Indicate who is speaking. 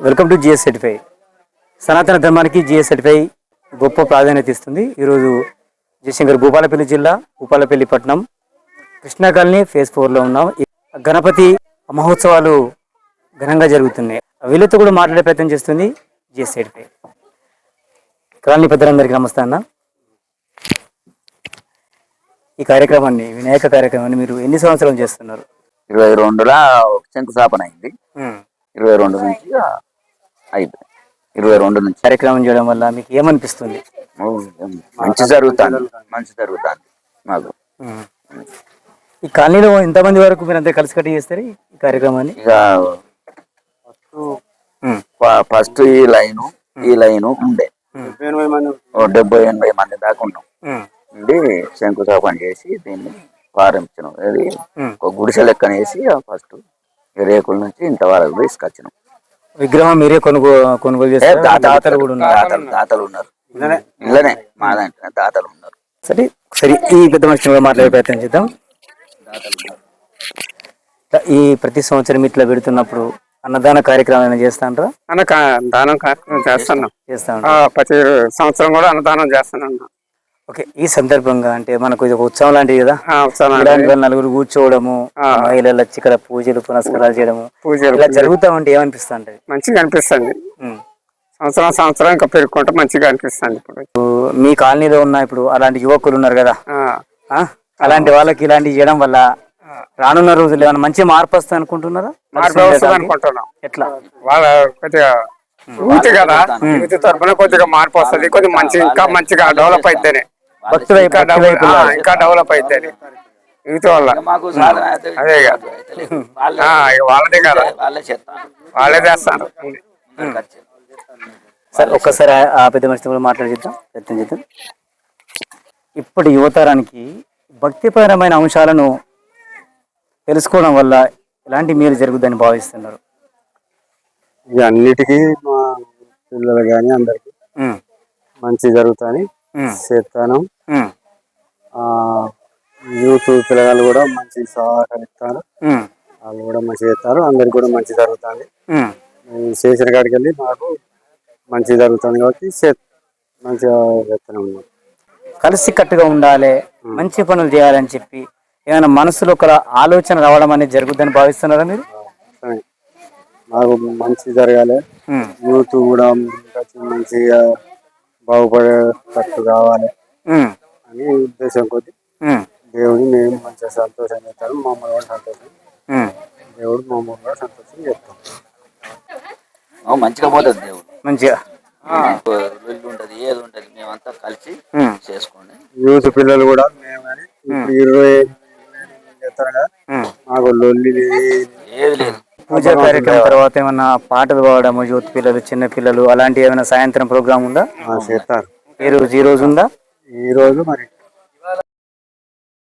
Speaker 1: Welcome to GS certify. సనాతన ధర్మానికి GS certify గొప్ప ప్రాధాన్యత ఇస్తుంది. ఈరోజు జయశంకర్ భూపాలపల్లి జిల్లా భూపాలపల్లి పట్టణం కృష్ణా కాలనీ ఫేజ్ 4లో ఉన్నాం. గణపతి మహోత్సవాలు ఘనంగా జరుగుతున్నాయి. వీళ్ళతో కూడా మాట్లాడే ప్రయత్నం చేస్తుంది జిఎస్ సర్టిఫై. కాలనీ పెద్దలందరికీ నమస్తే అన్న. ఈ కార్యక్రమాన్ని వినాయక కార్యక్రమాన్ని మీరు ఎన్ని సంవత్సరాలు చేస్తున్నారు?
Speaker 2: 22లో శంకుస్థాపన అయింది. 22 నుంచి అయిపోయింది. 22 నుంచి
Speaker 1: కార్యక్రమం చేయడం వల్ల మీకు ఏమనిపిస్తుంది?
Speaker 2: మంచి జరుగుతుంది మాకు.
Speaker 1: ఈ కాలనీలో ఎంతమంది వరకు మీరు అంతా కలిసి కట్టి చేస్తారు ఈ కార్యక్రమాన్ని?
Speaker 2: ఇక ఫస్ట్ ఈ లైను ఉండే 70-80 మంది దాకా ఉన్నాం. ఉండి శంకుస్థాపన చేసి దీన్ని ప్రారంభించినాం. అది ఒక గుడిసె లెక్కన వేసి ఫస్ట్ రేకుల నుంచి ఇంతవరకు తీసుకొచ్చినాం.
Speaker 1: విగ్రహం మీరే కొనుగోలు చేస్తారు? దాతలు కూడా ఉన్నారు?
Speaker 2: దాతలు ఉన్నారు ఇళ్ళనే, మా దాంట్లో దాతలు ఉన్నారు.
Speaker 1: సరే సరే, ఈ పెద్ద మనిషి మాట్లాడే ప్రయత్నం చేద్దాం. ఈ ప్రతి సంవత్సరం ఇట్లా పెడుతున్నప్పుడు అన్నదాన కార్యక్రమం చేస్తాంటారా?
Speaker 3: దానం కార్యక్రమం చేస్తాను. ప్రతి సంవత్సరం కూడా అన్నదానం చేస్తాను.
Speaker 1: ఓకే, ఈ సందర్భంగా అంటే మనకు ఇది ఒక ఉత్సవం లాంటిది కదా. నలుగురు కూర్చోవడము, మహిళలు వచ్చి ఇక్కడ పూజలు పునస్కారాలు చేయడము ఇలా జరుగుతా ఉంటే ఏమనిపిస్తా ఉంటది?
Speaker 3: మంచిగా అనిపిస్తుంది. సంవత్సరం ఇంకా పెరుగుకుంటే మంచిగా అనిపిస్తుంది. ఇప్పుడు
Speaker 1: మీ కాలనీలో ఉన్న ఇప్పుడు అలాంటి యువకులు ఉన్నారు కదా, అలాంటి వాళ్ళకి ఇలాంటివి చేయడం వల్ల రానున్న రోజులు ఏమైనా మంచి మార్పు వస్తుంది అనుకుంటున్నారా?
Speaker 3: అనుకుంటున్నాం. ఎట్లా వాళ్ళ కొద్దిగా ఊతి కదా, యూత్ తరఫున కొద్దిగా మార్పు వస్తుంది. కొద్దిగా ఇంకా మంచిగా డెవలప్ అయితేనే, ఇంకా డెవలప్ అయితేనే యూత్ వల్ల. అదే వాళ్ళదే కదా, వాళ్ళే చేస్తారు.
Speaker 1: సరే, ఒక్కసారి ఆ పెద్ద మనిషితో కూడా మాట్లాడిద్దాం, ప్రయత్నం చేద్దాం. ఇప్పటి యువతరానికి భక్తిపరమైన అంశాలను తెలుసుకోవడం వల్ల ఎలాంటి మేలు జరుగుతుందని భావిస్తున్నారు?
Speaker 3: అన్నిటికీ మా పిల్లలు కానీ అందరికి మంచి జరుగుతాయని చేస్తాను. యూత్ పిల్లలు కూడా మంచి సహకరిస్తారు, వాళ్ళు కూడా మంచి చేస్తారు. అందరికి కూడా మంచి జరుగుతుంది. చేసిన కాడికి వెళ్ళి మాకు మంచి జరుగుతుంది కాబట్టి మంచిగా చేస్తూనే ఉన్నాం.
Speaker 1: కలిసి కట్టుగా ఉండాలి, మంచి పనులు చేయాలని చెప్పి ఏమైనా మనసులో ఒక ఆలోచన రావడం అనేది జరుగుతుందని భావిస్తున్నారా మీరు?
Speaker 3: మాకు మంచి జరగాలి, యూత్ కూడా మంచిగా బాగుపడేటట్టు కావాలి అని ఉద్దేశం కొద్ది దేవుడిని మేము మంచిగా సంతోషం చేస్తాము. మమ్మల్ని కూడా సంతోషం, దేవుడు మమ్మల్ని కూడా సంతోషం చేస్తాం.
Speaker 2: మంచిగా పోతుంది దేవుడు,
Speaker 1: మంచిగా
Speaker 2: ఉంటది, ఏది ఉంటది మేమంతా కలిసి చేసుకోండి.
Speaker 3: యూత్ పిల్లలు కూడా మేము కానీ ఇప్పుడు 20 చేస్తారు కదా, మాకు లొల్లి
Speaker 2: ఏది లేదు.
Speaker 1: పూజా కార్యక్రమం తర్వాత ఏమన్నా పాటలు పాడము, యూత్ పిల్లలు, చిన్న పిల్లలు అలాంటి ఏమైనా సాయంత్రం ప్రోగ్రామ్ ఉందా?
Speaker 3: చేస్తారు.
Speaker 1: ఈ రోజు ఉందా?
Speaker 3: ఈ రోజు మరి